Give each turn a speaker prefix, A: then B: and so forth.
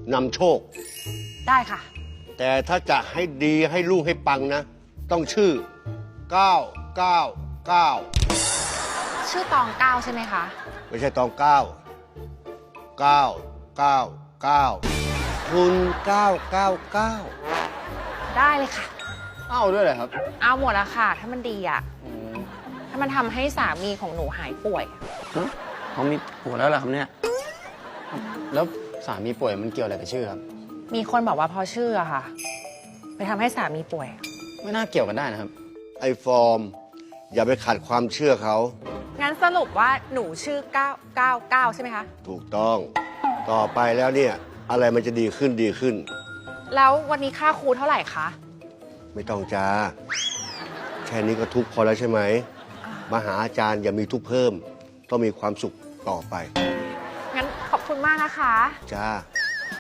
A: นำโชค
B: ได้ค่ะ
A: แต่ถ้าจะให้ดีให้รุ่งให้ปังนะ ต้องชื่อ 999
B: ชื่อตองเก้าใช่ไหมคะ
A: ไม่ใช่ตอง9 999คุณ999
B: ได้เลยค่ะ
C: เอาด้วยเหรอครับ
B: เอาหมดละค่ะ ถ้ามันดีอะถ้ามันทำให้สามีของหนูหายป่วย
C: เขามีผัวแล้วเหรอครับเนี่ย แล้วสามีป่วยมันเกี่ยวอะไรกับชื่อครับ
B: มีคนบอกว่าพอชื่ออะค่ะ ไปทำให้สามีป่วย
C: ไม่น่าเกี่ยวกันได้นะครับ
A: ไอ้ฟอร์ม อย่าไปขัดความเชื่อเขา
B: งั้นสรุปว่าหนูชื่อ 999 ใช่ไหมคะ
A: ถูกต้อง ต่อไปแล้วเนี่ย อะไรมันจะดีขึ้นดีขึ้น
B: แล้ววันนี้ค่าครูเท่าไหร่คะ
A: ไม่ต้องจ้า แค่นี้ก็ทุกข์พอแล้วใช่ไหม มาหาอาจารย์อย่ามีทุกข์เพิ่ม ต้องมีความสุขต่อไป
B: งั้นขอบคุณมากนะคะ
A: จ้า